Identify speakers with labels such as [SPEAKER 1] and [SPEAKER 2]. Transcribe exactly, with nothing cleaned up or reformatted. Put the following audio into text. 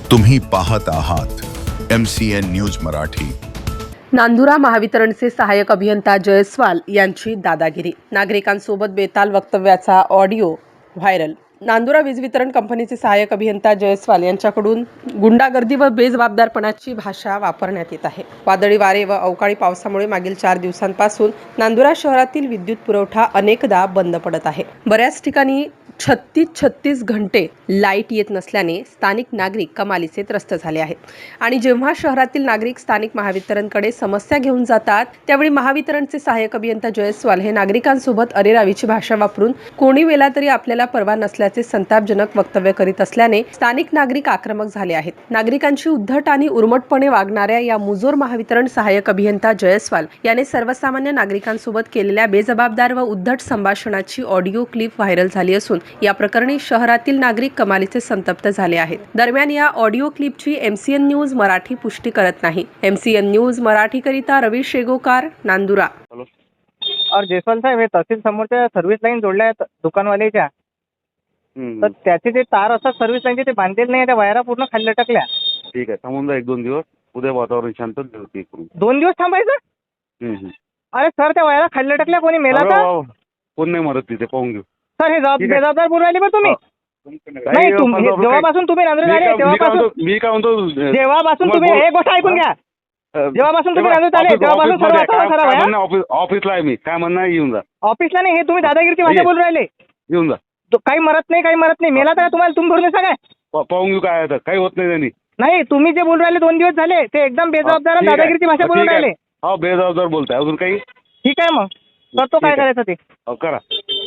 [SPEAKER 1] तुम्ही पाहत आहात M C N news Marathi.
[SPEAKER 2] Nandura महावितरणचे सहाय्यक अभियंता जयस्वाल यांची दादागिरी, नागरिकांसोबत बेताल वक्तव्याचा ऑडिओ व्हायरल। नांदुरा वीज वितरण कंपनीचे सहाय्यक अभियंता जयस्वाल यांच्याकडून गुंडागर्दी व बेजबाबदारपणाची भाषा वापरण्यात येत आहे। वादळी वारे व अवकाळी पावसामुळे मागील चार दिवसांपासून नांदुरा शहरातील विद्युत पुरवठा अनेकदा बंद पडत आहे। बऱ्याच ठिकाणी छत्तीस छत्तीस घंटे लाईट येत नसल्याने स्थानिक नागरिक कमालीचे त्रस्त झाले आहेत। आणि जेव्हा शहरातील नागरिक स्थानिक महावितरणकडे समस्या घेऊन जातात, त्यावेळी महावितरणचे सहाय्यक अभियंता जयस्वाल हे नागरिकांसोबत अरेरावीची भाषा वापरून कोणी वेळा तरी आपल्याला परवा नसल्याचे संतापजनक वक्तव्य करीत असल्याने स्थानिक नागरिक आक्रमक झाले आहेत। नागरिकांची उद्धट आणि उर्मटपणे वागणाऱ्या या मुजोर महावितरण सहाय्यक अभियंता जयस्वाल याने सर्वसामान्य नागरिकांसोबत केलेल्या बेजबाबदार व उद्धट संभाषणाची ऑडिओ क्लिप व्हायरल झाली असून या प्रकरणी शहरातील नागरिक कमालीचे संतप्त झाले आहेत। दरम्यान या ऑडिओ क्लिपची M C N news Marathi पुष्टी करत नाही। M C N news Marathi करिता रवी शेगोकार, नांदुरा।
[SPEAKER 3] और जयस्वाल साहेब हे तहसील समोरच्या सर्व्हिस लाईन जोडल्या आहेत दुकानवाल्याच्या, तर त्याचे जे तार असतात सर्व्हिस लाईनचे ते बांधलेले नाही, त्या वायरा पूर्ण खाली लटकल्या।
[SPEAKER 4] ठीक आहे, थांबून जा एक दोन दिवस, उद्या वातावरण शांत होते करून
[SPEAKER 3] दोन दिवस थांबायचं?
[SPEAKER 4] हम्म, हम्म.
[SPEAKER 3] अरे सर, त्या वायरा खाली लटकल्या, कोणी मेला
[SPEAKER 4] अरे
[SPEAKER 3] तर?
[SPEAKER 4] वा, वा. कोण नाही मरत तिथे, पाहून घेऊ।
[SPEAKER 3] सर हे जबाब
[SPEAKER 4] ठीक आहे.
[SPEAKER 3] बेजबाबदार बोलून राहिले बरं तुम्ही।
[SPEAKER 4] काही
[SPEAKER 3] नाही, तुम-
[SPEAKER 4] आपण
[SPEAKER 3] हे
[SPEAKER 4] बाबा
[SPEAKER 3] जेव्हापासून तुम्ही नांदुऱ्यात
[SPEAKER 4] मी
[SPEAKER 3] आले
[SPEAKER 4] काय- मी काय
[SPEAKER 3] तेव्हापासून
[SPEAKER 4] म्हणतो- मी काय म्हणतो अ,
[SPEAKER 3] जेव्हापासून तुम्ही
[SPEAKER 4] तुम्हाला
[SPEAKER 3] हे गोष्ट ऐकून घ्या,
[SPEAKER 4] अ,
[SPEAKER 3] जेव्हापासून तुम्ही
[SPEAKER 4] तेव्हा
[SPEAKER 3] नांदुऱ्यात आले
[SPEAKER 4] ऑफिस-
[SPEAKER 3] तेव्हापासून सर्व
[SPEAKER 4] ऑफिसमध्ये
[SPEAKER 3] असा
[SPEAKER 4] काय-
[SPEAKER 3] खराब
[SPEAKER 4] काय
[SPEAKER 3] आहे,
[SPEAKER 4] म्हणणं, ऑफिस ऑफिसला आहे मी, काय म्हणणं आहे, येऊन जा,
[SPEAKER 3] ऑफिसला नाही, हे तुम्ही दादागिरीची भाषा
[SPEAKER 4] ये.
[SPEAKER 3] बोलून राहिले।
[SPEAKER 4] येऊन जा,
[SPEAKER 3] तो काही मरत नाही, काही मरत नाही, मेला तर तुम्हाला तुम्ही भरून सांगा।
[SPEAKER 4] पा- पाहून घेऊ काय आहे तर, काही होत नाही त्यांनी।
[SPEAKER 3] नाही, तुम्ही जे बोलून राहिले दोन दिवस झाले ते एकदम बेजबाबदार आणि
[SPEAKER 4] ठीक आहे.
[SPEAKER 3] दादागिरीची भाषा बोलून
[SPEAKER 4] ठीक आहे.
[SPEAKER 3] राहिले।
[SPEAKER 4] हो, बेजबाबदार बोलताय, अजून काही?
[SPEAKER 3] ठीक आहे, मग करतो
[SPEAKER 4] ठीक
[SPEAKER 3] काय
[SPEAKER 4] आहे.
[SPEAKER 3] करायचं ते।
[SPEAKER 4] हो, करा।